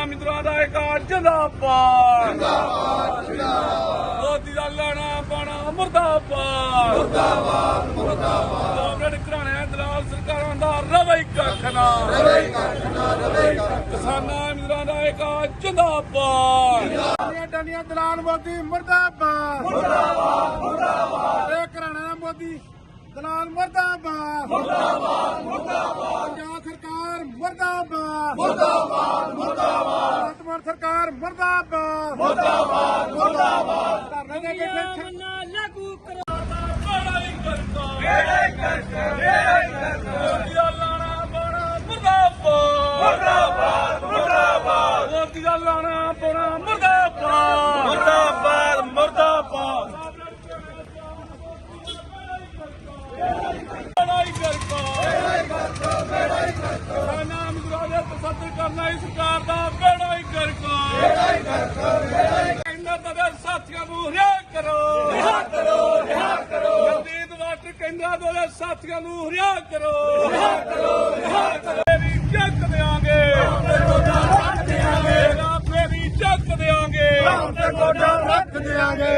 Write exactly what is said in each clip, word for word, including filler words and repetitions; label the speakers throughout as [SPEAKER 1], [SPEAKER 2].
[SPEAKER 1] ਮਿੱਤਰਾਂ ਦਾ ਇੱਕ ਜਿੰਦਾਬਾਦ ਜਿੰਦਾਬਾਦ ਜਿੰਦਾਬਾਦ ਮੋਦੀ ਦਾ ਲਾਣਾ ਪਾਣਾ ਮੁਰਦਾਬਾਦ ਮੁਰਦਾਬਾਦ ਮੁਰਦਾਬਾਦ ਕਾਂਗਰਸ ਘਰਾਣੇ ਦਲਾਲ ਸਰਕਾਰਾਂ ਦਾ ਰਵਈ ਕੱਖ ਨਾ ਰਵਈ ਕੱਖ ਨਾ ਰਵਈ ਕੱਖ ਕਿਸਾਨਾਂ ਮਿੱਤਰਾਂ ਦਾ ਇੱਕ ਜਿੰਦਾਬਾਦ
[SPEAKER 2] ਡੰਡੀਆਂ ਦਲਾਲ ਮੋਦੀ ਮੁਰਦਾਬਾਦ
[SPEAKER 1] ਮੁਰਦਾਬਾਦ ਮੁਰਦਾਬਾਦ
[SPEAKER 2] ਇਹ ਘਰਾਣਾ ਮੋਦੀ ਦਲਾਲ ਮੁਰਦਾਬਾਦ
[SPEAKER 1] ਮੁਰਦਾਬਾਦ ਮੁਰਦਾਬਾਦ
[SPEAKER 2] ਪੰਜਾਬ ਸਰਕਾਰ ਮੁਰਦਾਬਾਦ
[SPEAKER 1] ਮੁਰਦਾਬਾਦ ਮੁਰਦਾਬਾਦ
[SPEAKER 2] ਵਰਤਮਾਨ ਸਰਕਾਰ ਮੁਰਦਾਬਾਦ
[SPEAKER 1] ਮੁਰਦਾਬਾਦ ਮੁਰਦਾਬਾਦ
[SPEAKER 2] ਧਰਨੇ ਦੇ ਬੈਠੇ
[SPEAKER 3] ਲਾਗੂ ਕਰੋ
[SPEAKER 1] ਲੜਾਈ ਕਰਤਾ ਲੜਾਈ ਕਰਤਾ ਲੜਾਈ ਕਰਤਾ ਮੋਦੀ ਦਾ ਲਾਣਾ ਪਾਣਾ ਮੁਰਦਾਬਾਦ ਮੁਰਦਾਬਾਦ ਮੁਰਦਾਬਾਦ ਮੋਦੀ ਦਾ ਲਾਣਾ ਪਾਣਾ ਮੁਰਦਾਬਾਦ ਮੁਰਦਾਬਾਦ ਮੁਰਦਾਬਾਦ ਲੜਾਈ ਕਰਤਾ ਲੜਾਈ ਕਰਤਾ ਲੜਾਈ ਕਰਤਾ ਕਿਸਾਨਾਂ ਮਿੱਤਰਾਂ ਦੇ ਤਸੱਦਦ ਕਰਨਾ ਇਸ ਸਰਕਾਰ ਦਾ ਲੜਾਈ ਕਰਤਾ ਲੜਾਈ ਕਰਤਾ ਲੜਾਈ ਇਹਨਾਂ ਦੇ ਸਾਥੀਆਂ ਨੂੰ ਰਿਹਾ ਕਰੋ ਰਿਹਾ ਕਰੋ ਰਿਹਾ ਕਰੋ ਜਦੀਦ ਵਾਟਰ ਕੇਂਦਰਾਂ ਦੇ ਸਾਥੀਆਂ ਨੂੰ ਰਿਹਾ ਕਰੋ ਰਿਹਾ ਕਰੋ ਰਿਹਾ ਕਰੋ ਫੇਰੀ ਚੱਕ ਦੇਾਂਗੇ ਤੇ ਗੋਡਾ ਰੱਖ ਦੇਾਂਗੇ ਫੇਰੀ ਚੱਕ ਦੇਾਂਗੇ ਤੇ ਗੋਡਾ ਰੱਖ ਦੇਾਂਗੇ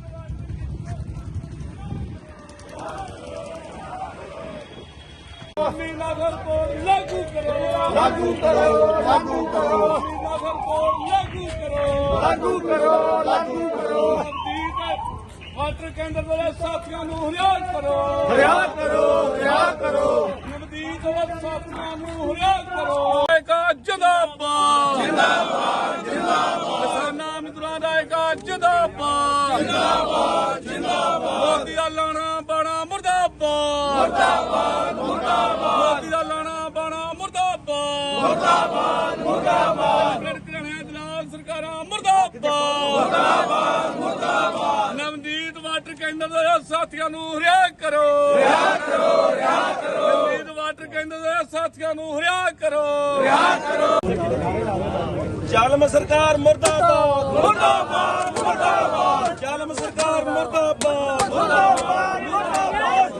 [SPEAKER 1] ਨਗਰ को लागू करो लागू करो लागू करो नगर को लागू करो लागू करो लागू करो वाटर केंद्र वाले साथियों को रिहा करो रिहा करो रिहा करो नवदीप वाले साथियों को रिहा करो एक जिंदाबाद जिंदाबाद जिंदाबाद किसानां मित्रों दा एक जिंदाबाद जिंदाबाद जिंदाबाद मोदी दा लाना बाणा मुर्दाबाद मुर्दाबाद मुर्दाबाद मोदी दा लाना बाणा मुर्दाबाद मुर्दाबाद मुर्दाबाद घराणे दलाल सरकारां मुर्दाबाद मुर्दाबाद मुर्दाबाद नवदीप वाटर केंद्र ਦੇ ਸਾਥੀਆਂ ਨੂੰ ਰਿਹਾ ਕਰੋ ਰਿਹਾ ਕਰੋ ਰਿਹਾ ਕਰੋ ਨਵਦੀਪ ਵਾਟਰ ਕੇਂਦਰ ਦੇ ਸਾਥੀਆਂ ਨੂੰ ਰਿਹਾ ਕਰੋ ਰਿਹਾ ਕਰੋ ਜ਼ਾਲਮ ਸਰਕਾਰ ਮੁਰਦਾਬਾਦ ਮੁਰਦਾਬਾਦ ਮੁਰਦਾਬਾਦ ਜ਼ਾਲਮ ਸਰਕਾਰ ਮੁਰਦਾਬਾਦ ਮੁਰਦਾਬਾਦ ਮੁਰਦਾਬਾਦ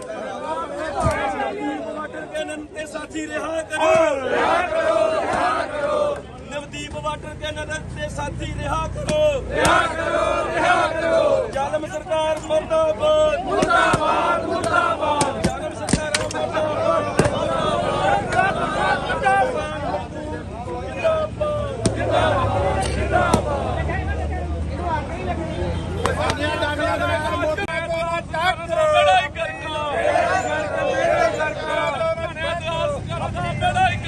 [SPEAKER 1] ਵਾਟਰ ਕੇਂਦਰ ਦੇ ਸਾਥੀ ਰਿਹਾ ਕਰੋ ਰਿਹਾ ਕਰੋ ਰਿਹਾ ਕਰੋ ਨਵਦੀਪ ਵਾਟਰ ਕੇਂਦਰ ਦੇ ਸਾਥੀ ਰਿਹਾ ਕਰੋ ਰਿਹਾ ਕਰੋ ਰਿਹਾ ਕਰੋ ਜ਼ਾਲਮ ਸਰਕਾਰ ਮੁਰਦਾਬਾਦ ਮੁਰਦਾਬਾਦ ਮੁਰਦਾਬਾਦ ਜ਼ਾਲਮ ਸਰਕਾਰ ਮੁਰਦਾਬਾਦ ਲੜਾਈ ਕਰਨਾ ਲੜਾਈ ਕਰਨਾ ਲੜਾਈ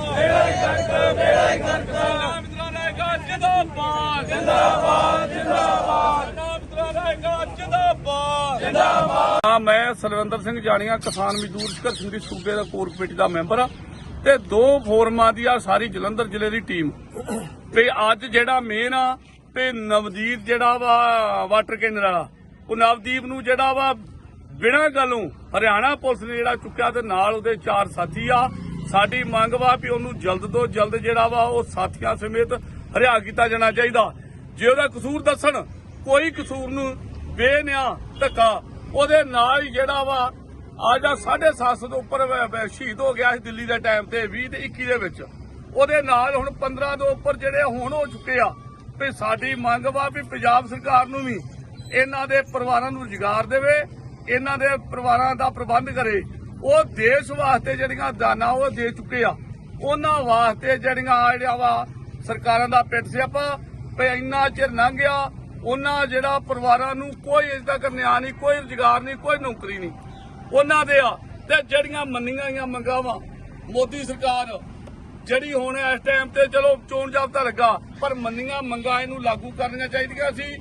[SPEAKER 1] ਕਰਨਾ ਲੜਾਈ ਕਰਨਾ ਮਿੱਤਰਾਂ ਦਾ ਇੱਕ ਜਿੰਦਾਬਾਦ ਜਿੰਦਾਬਾਦ ਜਿੰਦਾਬਾਦ ਮਿੱਤਰਾਂ ਦਾ ਇੱਕ ਜਿੰਦਾਬਾਦ ਜਿੰਦਾਬਾਦ ਹਾਂ ਮੈਂ ਸਲਵਿੰਦਰ ਸਿੰਘ ਜਾਣੀਆਂ ਕਿਸਾਨ ਮਜ਼ਦੂਰ ਸੰਘਰਸ਼ ਸਮਿਤੀ ਸੂਬੇ ਦਾ ਕੋਰ ਕਮੇਟੀ ਦਾ ਮੈਂਬਰ ਆ ਤੇ ਦੋ ਫੋਰਮਾਂ ਦੀ ਆ ਸਾਰੀ ਜਲੰਧਰ ਜ਼ਿਲ੍ਹੇ ਦੀ ਟੀਮ ਤੇ ਅੱਜ ਜਿਹੜਾ ਮੇਨ ਆ ਤੇ ਨਵਦੀਪ ਜਿਹੜਾ ਵਾ ਵਾਟਰ ਕੇਂਦਰ ਵਾਲਾ ਉਹ ਨਵਦੀਪ ਨੂੰ ਜਿਹੜਾ ਵਾ ਬਿਨਾਂ ਗੱਲੋਂ ਹਰਿਆਣਾ ਪੁਲਿਸ ਨੇ ਜਿਹੜਾ ਚੁੱਕਿਆ ਤੇ ਨਾਲ ਉਹਦੇ ਚਾਰ ਸਾਥੀ ਆ ਸਾਡੀ ਮੰਗ ਵਾ ਵੀ ਉਹਨੂੰ ਜਲਦ ਤੋਂ ਜਲਦ ਜਿਹੜਾ ਵਾ ਉਹ ਸਾਥੀਆਂ ਸਮੇਤ ਹਰਿਆ ਕੀਤਾ ਜਾਣਾ ਚਾਹੀਦਾ ਜੇ ਉਹਦਾ ਕਸੂਰ ਦੱਸਣ ਕੋਈ ਕਸੂਰ ਨੂੰ ਬੇਨਿਆ ਧੱਕਾ ਉਹਦੇ ਨਾਲ ਹੀ ਜਿਹੜਾ ਵਾ ਅੱਜ ਆ ਸਾਢੇ ਸੱਤ ਸੌ ਤੋਂ ਉੱਪਰ ਸ਼ਹੀਦ ਹੋ ਗਿਆ ਸੀ ਦਿੱਲੀ ਦੇ ਟਾਈਮ ਤੇ ਵੀਹ ਤੇ ਇੱਕੀ ਦੇ ਵਿੱਚ ਉਹਦੇ ਨਾਲ ਹੁਣ ਪੰਦਰਾਂ ਤੋਂ ਉੱਪਰ ਜਿਹੜੇ ਹੁਣ ਹੋ ਚੁੱਕੇ ਆ ਤੇ ਸਾਡੀ ਮੰਗ ਵਾ ਵੀ ਪੰਜਾਬ ਸਰਕਾਰ ਨੂੰ ਵੀ ਇਹਨਾਂ ਦੇ ਪਰਿਵਾਰਾਂ ਨੂੰ ਰੁਜ਼ਗਾਰ ਦੇਵੇ ਇਹਨਾਂ ਦੇ ਪਰਿਵਾਰਾਂ ਦਾ ਪ੍ਰਬੰਧ ਕਰੇ ਉਹ ਦੇਸ਼ ਵਾਸਤੇ ਜਿਹੜੀਆਂ ਦਾਨਾਂ ਉਹ ਦੇ ਚੁੱਕੇ ਆ ਉਹਨਾਂ ਵਾਸਤੇ ਜਿਹੜੀਆਂ ਆ ਜਿਹੜਾ ਵਾ ਸਰਕਾਰਾਂ ਦਾ ਪਿੱਟ ਸਿਆਪਾ ਵੀ ਇੰਨਾ ਚਿਰ ਲੰਘ ਗਿਆ ਉਹਨਾਂ ਜਿਹੜਾ ਪਰਿਵਾਰਾਂ ਨੂੰ ਕੋਈ ਇਸ ਤੱਕ ਨਿਆਂ ਨਹੀਂ ਕੋਈ ਰੁਜ਼ਗਾਰ ਨਹੀਂ ਕੋਈ ਨੌਕਰੀ ਨਹੀਂ ਉਹਨਾਂ ਦੇ ਆ ਤੇ ਜਿਹੜੀਆਂ ਮੰਨੀਆਂ ਗਈਆਂ ਮੰਗਾਂ ਵਾ ਮੋਦੀ ਸਰਕਾਰ ਜਿਹੜੀ ਹੁਣ ਇਸ ਟਾਈਮ ਤੇ ਚਲੋ ਚੋਣ ਜਾਬਤਾ ਲੱਗਾ ਪਰ ਮੰਨੀਆਂ ਮੰਗਾਂ ਇਹਨੂੰ ਲਾਗੂ ਕਰਨੀਆਂ ਚਾਹੀਦੀਆਂ ਸੀ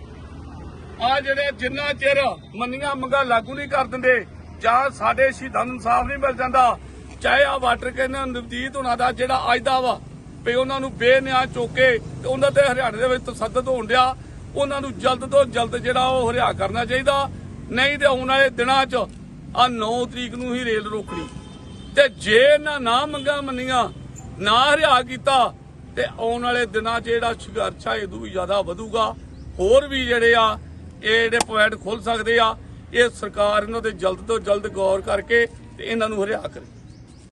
[SPEAKER 1] ਆ ਜਿਹੜੇ ਜਿੰਨਾ ਚਿਰ ਮੰਨੀਆਂ ਮੰਗਾਂ ਲਾਗੂ ਨਹੀਂ ਕਰ ਦਿੰਦੇ ਜਾਂ ਸਾਡੇ ਸ਼ਹੀਦਾਂ ਨੂੰ ਇਨਸਾਫ ਨਹੀਂ ਮਿਲ ਜਾਂਦਾ ਚਾਹੇ ਆ ਵਾਟਰ ਕੇਂਦਰ ਨਵਦੀਪ ਉਹਨਾਂ ਦਾ ਜਿਹੜਾ ਅੱਜ ਦਾ ਵਾ ਵੀ ਉਹਨਾਂ ਨੂੰ ਬੇਨਿਆਂ ਚੋਕੇ ਤੇ ਉਹਨਾਂ ਤੇ ਹਰਿਆਣੇ ਦੇ ਵਿੱਚ ਤਸੱਦਦ ਹੋਣ ਡਿਆ ਉਹਨਾਂ ਨੂੰ ਜਲਦ ਤੋਂ ਜਲਦ ਜਿਹੜਾ ਉਹ ਹਰਿਆ ਕਰਨਾ ਚਾਹੀਦਾ ਨਹੀਂ ਤੇ ਆਉਣ ਵਾਲੇ ਦਿਨਾਂ 'ਚ ਆ ਨੌ ਤਰੀਕ ਨੂੰ ਹੀ ਰੇਲ ਰੋਕਣੀ ਤੇ ਜੇ ਇਹਨਾਂ ਨਾ ਮੰਗਾਂ ਮੰਨੀਆਂ ਨਾ ਹਰਿਆ ਕੀਤਾ ਤੇ ਆਉਣ ਵਾਲੇ ਦਿਨਾਂ 'ਚ ਜਿਹੜਾ ਸੰਘਰਸ਼ ਆ ਇਦੋਂ ਵੀ ਜ਼ਿਆਦਾ ਵਧੂਗਾ ਹੋਰ ਵੀ ਜਿਹੜੇ ਆ ਇਹ ਜਿਹੜੇ ਪੁਆਇੰਟ ਖੁੱਲ ਸਕਦੇ ਆ ਇਹ ਸਰਕਾਰ ਇਹਨਾਂ ਤੇ ਜਲਦ ਤੋਂ ਜਲਦ ਗੌਰ ਕਰਕੇ ਤੇ ਇਹਨਾਂ ਨੂੰ ਹਰਿਆ ਕਰੇ।